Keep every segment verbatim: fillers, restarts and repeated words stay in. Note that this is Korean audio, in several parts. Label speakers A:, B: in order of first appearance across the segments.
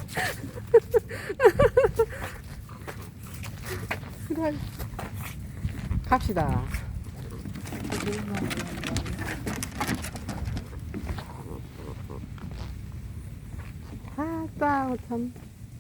A: 그래. 갑시다. 아따, 참.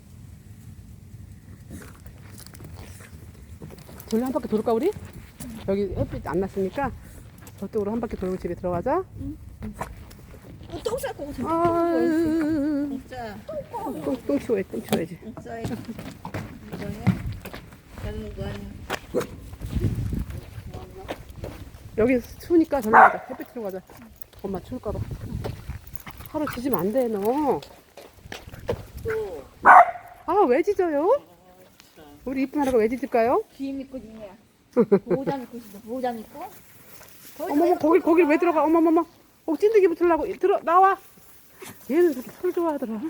A: 돌려 한 바퀴 돌을까, 우리? 여기 햇빛 안 났으니까 저쪽으로 한 바퀴 돌고 집에 들어가자.
B: 어, 똥 쌀 거고 저기
A: 아유,
B: 진짜
A: 똥, 똥 치워야지, 똥 치워야지.
B: 똥 싸야 이거냐? 다른 거 아니야?
A: 여기 추우니까 저리 가자. 햇빛 들어 가자. 엄마 추울까봐. 하루 지지면 안 돼, 너.
B: 또
A: 아, 왜 짖어요? 우리 이쁜 하루가 왜 짖을까요?
B: 귀 믿고 지냐? 보호자 믿고 있어. 보호자 믿고.
A: 어머머, 거길, 거길 왜 들어가? 어머머머. 어, 찐득이 붙으려고. 들어, 나와. 얘는 저렇게 술 좋아하더라.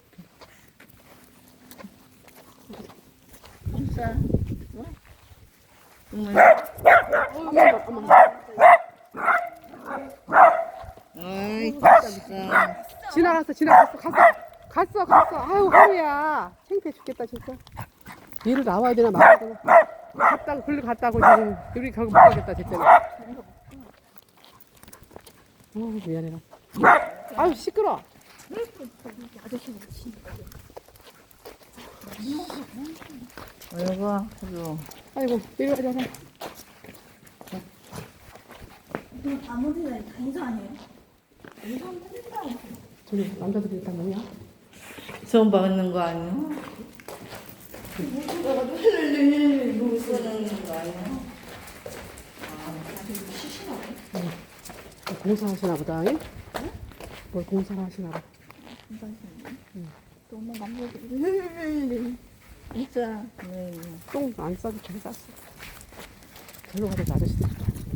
B: 똥 싸. 어? 정말.
A: 어머, 어머.
B: 아이 진짜.
A: 지나갔어, 지나갔어. 갔어. 갔어, 갔어. 아유, 하루야. 창피해 죽겠다, 진짜. 얘를 나와야 되나 말아야 되나. 갔다고, 글로 갔다고 지금. 우리 결국 못 가겠다, 됐잖아. 어, 미안해라. 아유, 시끄러.
B: 아저씨는 진짜. 아이고, 그래도.
A: 아이고, 이리 와자.
B: 아무데나 다 이상해요.
A: 저기, 남자들이 다 뭐냐?
B: 처음 받는 거 아니야? 무슨 거 아니야?
A: 공사하시나 보다, 잉? 뭘 공사를 하시나 봐.
B: 너무 남자들이 진짜.
A: 똥 안 싸도 잘 쌌어. 절로 가자, 아저씨들.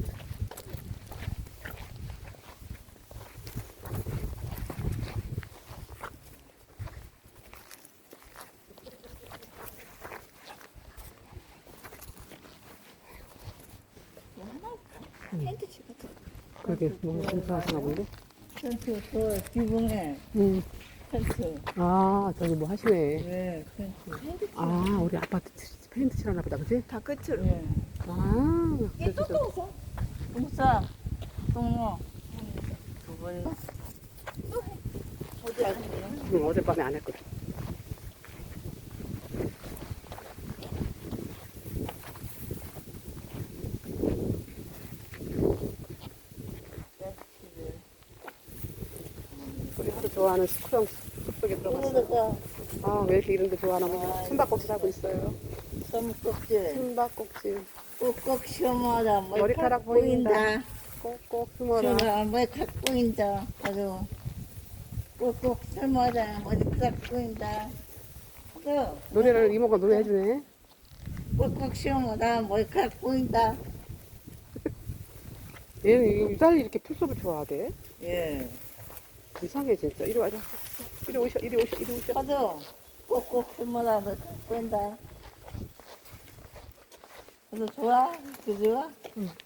B: 텐트 치고.
A: 그러게, 뭐 공사하시나 본데?
B: 텐트 그 지붕에
A: 응.
B: 텐트.
A: 아, 저기 뭐 하시네.
B: 네, 텐트.
A: 아, 우리 아파트 치- 페인트 칠하나 보다, 그지?
B: 다 끝으로. 네.
A: 아, 그래서 저-
B: 똥 싸. 똥 싸. 똥 넣어. 두 번. 어디 안 해요?
A: 응, 어젯밤에 안 했거든. 우리 하루 좋아하는 스쿠형 숲속에 들어갔어.
B: 오늘도
A: 아, 왜 이렇게 이런 거 좋아하나 보네. 숨바꼭질 하고 있어요.
B: 써먹껍질.
A: 숨바꼭질.
B: 꼭꼭 시험하다.
A: 머리카락 보인다. 꼭꼭 숨어라.
B: 시험하다. 머리카락 보인다. 아주. 꼭꼭 시험하다. 머리카락 보인다. 또
A: 노래를 이모가 노래해주네.
B: 꼭꼭 시험하다. 머리카락 보인다.
A: 얘는 유달리 이렇게 풀숲을 좋아하대.
B: 예.
A: 이상해, 진짜. 이리 와자. 이리 오셔, 이리 오셔, 이리 오셔.
B: 가도 꼭꼭 시험하다. 머리카락 보인다. 그래도 좋아? 그 좋아?
A: 응.